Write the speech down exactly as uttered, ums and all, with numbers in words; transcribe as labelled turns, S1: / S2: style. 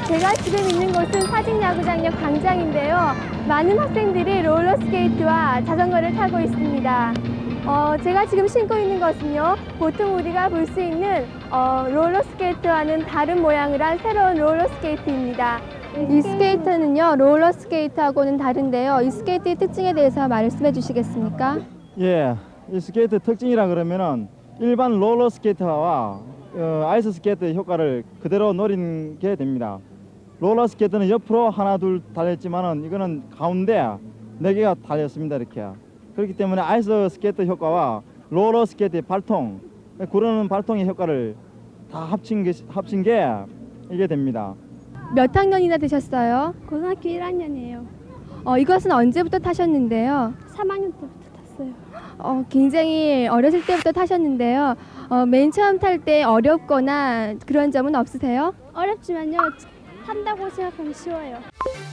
S1: 제가 지금 있는 곳은 사직야구장역 광장인데요. 많은 학생들이 롤러스케이트와 자전거를 타고 있습니다. 어, 제가 지금 신고 있는 것은요, 보통 우리가 볼 수 있는 어, 롤러스케이트와는 다른 모양을 한 새로운 롤러스케이트입니다. 이 스케이트는요, 롤러스케이트하고는 다른데요. 이 스케이트의 특징에 대해서 말씀해 주시겠습니까?
S2: 예, 이 스케이트 특징이라 그러면은 일반 롤러 스케이트와 어, 아이스 스케이트 효과를 그대로 노린 게 됩니다. 롤러 스케이트는 옆으로 하나 둘 달렸지만은 이거는 가운데 네 개가 달렸습니다. 이렇게. 그렇기 때문에 아이스 스케이트 효과와 롤러 스케이트의 발통, 구르는 발통의 효과를 다 합친 게 합친 게 이게 됩니다.
S1: 몇 학년이나 되셨어요?
S3: 고등학교 일 학년이에요.
S1: 어, 이것은 언제부터 타셨는데요?
S3: 삼 학년 때부터 탔어요.
S1: 어, 굉장히 어렸을 때부터 타셨는데요. 어, 맨 처음 탈 때 어렵거나 그런 점은 없으세요?
S3: 어렵지만요, 탄다고 생각하면 쉬워요.